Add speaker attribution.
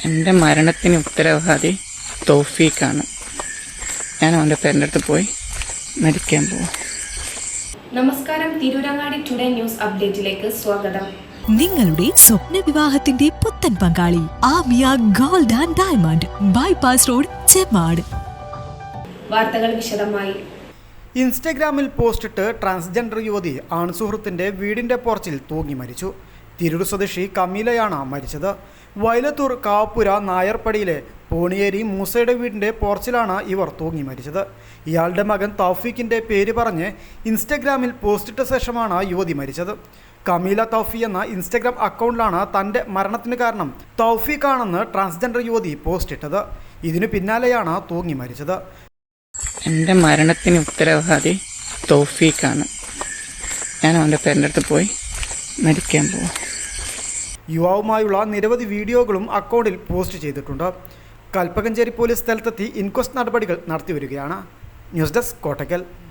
Speaker 1: എൻ്റെ മരണത്തിന് ഉത്തരവാദി തൗഫീഖാണ്. ഞാൻ അവൻ്റെ പേരൻ്റെ അടുത്ത് പോയി മരിക്കാൻ പോകും.
Speaker 2: നമസ്കാരം, തിരൂരങ്ങാടി ടുഡേ ന്യൂസ് അപ്ഡേറ്റിലേക്ക് സ്വാഗതം.
Speaker 3: നിങ്ങളുടെ സ്വപ്ന വിവാഹത്തിന്റെ പുത്തൻ പങ്കാളി Amiya gold and diamond, bypass road, Chemmad.
Speaker 2: വാർത്തകൾ വിശദമായി.
Speaker 4: ഇൻസ്റ്റഗ്രാമിൽ പോസ്റ്റിട്ട് ട്രാൻസ്ജെൻഡർ യുവതി ആൺസുഹൃത്തിന്റെ വീടിന്റെ പോർച്ചിൽ തൂങ്ങി മരിച്ചു. തിരൂർ സ്വദേശി കമീലയാണ് മരിച്ചത്. വയലത്തൂർ കാപ്പുര നായർപ്പടിയിലെ പോണിയേരി മൂസയുടെ വീടിന്റെ പോർച്ചിലാണ് ഇവർ തൂങ്ങി മരിച്ചത്. ഇയാളുടെ മകൻ തൗഫീഖിന്റെ പേര് പറഞ്ഞ് ഇൻസ്റ്റഗ്രാമിൽ പോസ്റ്റിട്ട ശേഷമാണ് യുവതി മരിച്ചത്. കമീല തൗഫി എന്ന ഇൻസ്റ്റഗ്രാം അക്കൗണ്ടിലാണ് തൻ്റെ മരണത്തിന് കാരണം തൗഫീഖാണെന്ന് ട്രാൻസ്ജെൻഡർ യുവതി പോസ്റ്റിട്ടത്. ഇതിനു പിന്നാലെയാണ് തൂങ്ങി മരിച്ചത്.
Speaker 1: എൻ്റെ മരണത്തിന് ഉത്തരവാദി തൗഫീഖാണ്. ഞാൻ അവൻ്റെ പേരൻ്റെ അടുത്ത് പോയി മരിക്കാൻ പോകും.
Speaker 4: യുവാവുമായുള്ള നിരവധി വീഡിയോകളും അക്കൗണ്ടിൽ പോസ്റ്റ് ചെയ്തിട്ടുണ്ട്. കൽപ്പകഞ്ചേരി പോലീസ് സ്ഥലത്തെത്തി ഇൻക്വസ്റ്റ് നടപടികൾ നടത്തിവരികയാണ്. News desk Kottakkal.